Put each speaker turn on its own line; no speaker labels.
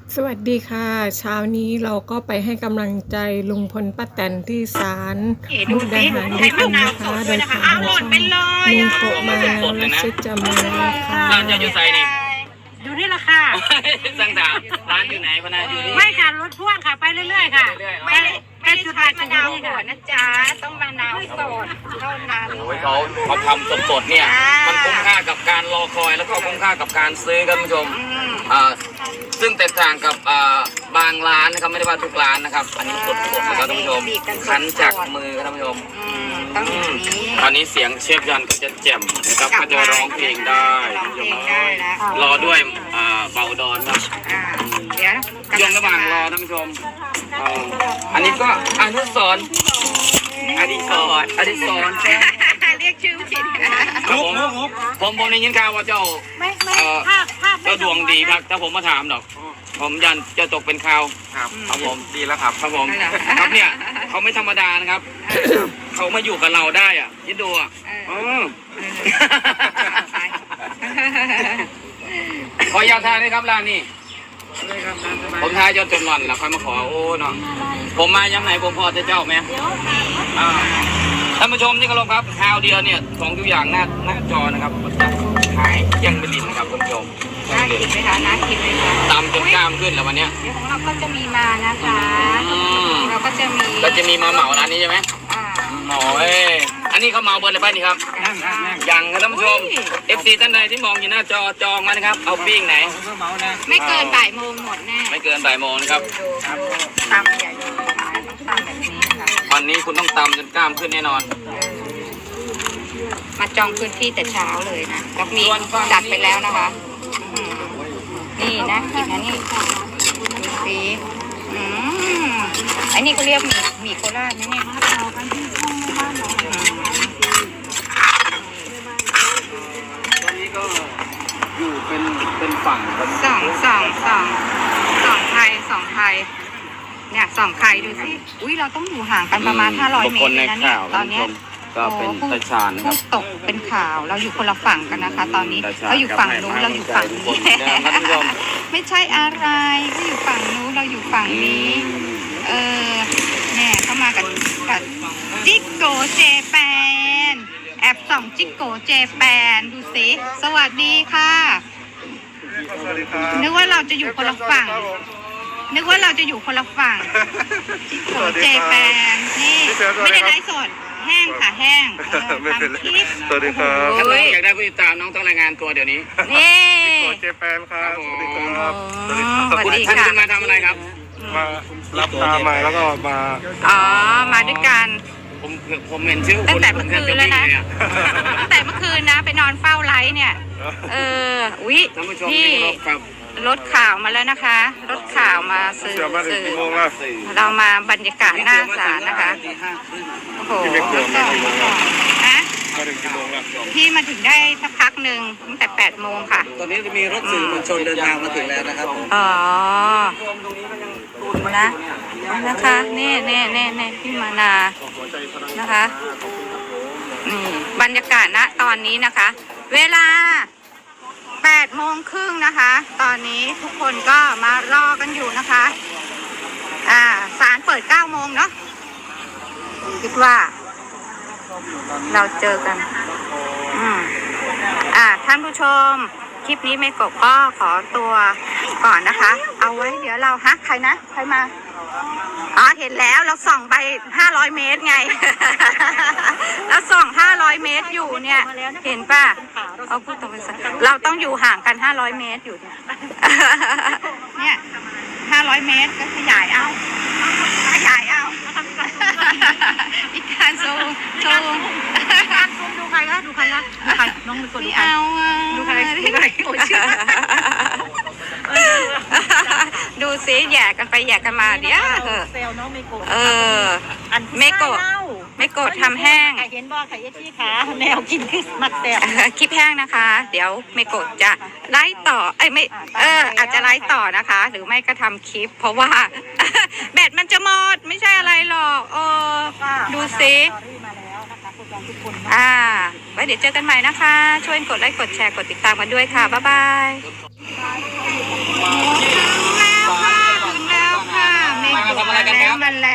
สวัสดีค่ะเช้านี้เราก็ไปให้กำลังใจลุงพลป้าแตนที่ศาลมุกดาหารด้วยกันนะคะโดยผ่านช่องลุงโกะมาและชิดจะมาค่ะ
ร้านจะอยู่ไซนี่
อยู่นี่แหละค่ะ
สั่งถามร้านอยู่ไหนพนาอยู่นี่
ไม่ค่ะรถพ่วงค่ะ ไปเรื่อยๆค่ะ
ไม่ได้
ไปจุดหมายถึงนี่ค่ะ
นะจ๊ะต้องมะนาวสดเท่านั้น
โอ้ยเขาทำสดๆเนี่ยมันคุ้มค่ากับการรอคอยแล้วก็คุ้มค่ากับการซื้อครับคุณผู้ชมซึ่งแตกต่างกับบางร้านนะครับไม่ได้ว่าทุกร้านนะครับอันนี้สดๆนะครับท่านผู้ชมคั้นจากมือครับท่านผู้ชม
ต้องอย่างนี้
ตอนนี้เสียงเชฟยันก็จะแจ่มนะครับก็จะร้องเพลงได้
ร้อง
คุณ
เพ
ผู้ช
ล
ม
งได้แล้ว
รอด้วยเบาดอนครับ
เดี๋ยว
ช่วงระหว่างรอท่านผู้ชมอันนี้ก็อนุสรณ์อดิศรอดิศร
เรียกชื่อผิด
ผมได้ยินข่าวว่าเจ้า
ไม่
เจ้าดวงดีครับถ้าผมมาถามดอก ผมยันจะตกเป็นข่าวครับผมดีแล้วครับครับผมครับเนี่ยเขาไม่ธรรมดานะครับเขามาอยู่กับเราได้อ่ะยินดูอ่ะขอยาทานด้วยครับร้านนี้ผมทายจนหล่อนแล้วค่อยมาขอโอ้เนาะผมมายังไหนผมพอจะเจ้าไหมท่านผู้ชมที่เคารพครับข่าวเดียวเนี่ยของทุกอย่างหน้าจอนะครับหายยังไม่ดินนะครับท่านผู้ชม
น่ากินไหมคะน่ากินไหมคะ
ตำจนกล้ามขึ้นแล้ววันเนี้ย
เดี๋ยวของเราก็จะมีมานะคะเราก็จะมี
เราจะมีมาเหมาร้านนี้ใช่ไหมโอ้ยอันนี้เขาเหมาเบิร์ดเลยป่ะนี่ครับยังครับท่านผู้ชม FC ท่านใดที่มองอยู่หน้าจอจองมานะครับเอาปิ้งไหน
ไม่เกินบ่ายโมงหมดแน่
ไม่เกินบ่ายโมงนะครับ
ตำใหญ่ต้องตำแบบนี้ค่ะ
วันนี้คุณต้องตำจนกล้ามขึ้นแน่นอน
มาจองพื้นที่แต่เช้าเลยนะแล้วมีจัดไปแล้วนะคะนี่นะกินนะนี่ดูสิอันนี้ก็เรียกหมี่โคราชนะเนี่ย
ตอนนี้ก็อยู่เป็นฝั่งครับ
สองไทยเนี่ยสองไทยดูสิอุ้ยเราต้องอยู่ห่างกันประมาณ500 เมตรเลยนะเนี่ยตอนเนี้ย
ก็เป็นตาชานนะค
ผู้
รับ
ตกเป็นข่าวเราอยู่คนละฝั่งกันนะคะ ตอนนี้เขาอยู่ฝั่งนู้นเราอยู่ฝั่งนี้ไม่ใช่อะไรเขาอยู่ฝั่งนู้นเราอยู่ฝั่งนี้เนี่ยเข้ามากับจิกโกเจแปนแอบส่องจิกโกเจแปนดูสิสวัสดีค่ะนึกว่าเราจะอยู่คนละฝั่งจิกโกเจแปนนี่ไม่ได้ไลฟ์สดแห้งค่ะแห้งทำคลิป
สวัสดีครับ
ถ้าน้องอยากได้ผู้ติดตามน้องต้องรายงานตัวเดี๋ยวนี้
นี่
โกเจแปนครับ สวัสดีครับ
สวัส
คุณ
ดี
ท่าน
ค่ะ
จะมาทำอะไรครับ
มารับตามมาแล้วก็มา
อ๋อมาด้วยกัน
ผมเห็นชื่อ
ตั้งแต่เมื่อคืนแล้วนะ ตั้งแต่เมื่อคืนนะไปนอนเฝ้าไลฟ์เนี่ยอุ๊ย
ท่านผู้ชม
พี่
ที่เคารพครับ
รถข่าวมาแล้วนะคะรถข่าวมาสื่อ
เชื่อมาถึงกี่โมงแล้ว
เรามาบรรยากาศหน้าศาลนะคะโอ้โหนะ
มาถึงกี่โมงแล้ว
พี่มาถึงได้สักพักหนึ่งตั้งแต่8 โมงค่ะ
ตอนนี้จะมีรถสื่อมวลชนเดินทางมาถึงแล้วนะครับ
อ๋อนะนะคะนี่พี่มานานะคะนี่บรรยากาศณตอนนี้นะคะ เวลา8 โมงครึ่งนะคะ ตอนนี้ทุกคนก็มารอกันอยู่นะคะศาลเปิด9 โมงเนาะคิดว่าเราเจอกันท่านผู้ชมคลิปนี้ไม่กบก็ขอตัวก่อนนะคะเอาไว้เดี๋ยวเราใครมาเห็นแล้วเราส่องไป500 เมตรไง แล้วส่อง500 เมตรอยู่เนี่ยเห็นป่ะเอาพูดตรงไปเราต้องอยู่ห่างกัน500 เมตรอยู่เนี่ย500 เมตรก็ขยายเอาอีกการซูม
ดูใครคะน้องมีคนดูใคร
เอาดูใครดูซิแย่กันไปแย่กันมาเดี๋ยว
เซลน้องเมโกะ
ไม่โกรธทำแห้ง
เห็นบ่ไข่ยัดขี้ขาแนวกินคือมักแซว
คลิปแห้งนะคะ เดี๋ยวไม่โกรธจะไล่ต่ออาจจะไล่ต่อนะคะ หรือไม่ก็ทำคลิป เพราะว่า แบตมันจะหมดไม่ใช่อะไรหรอกดูซิไว้เดี๋ยวเจอกันใหม่นะคะ ช่วยกดไลค์กดแชร์กดติดตามกันด้วยค่ะบ๊ายบายแมล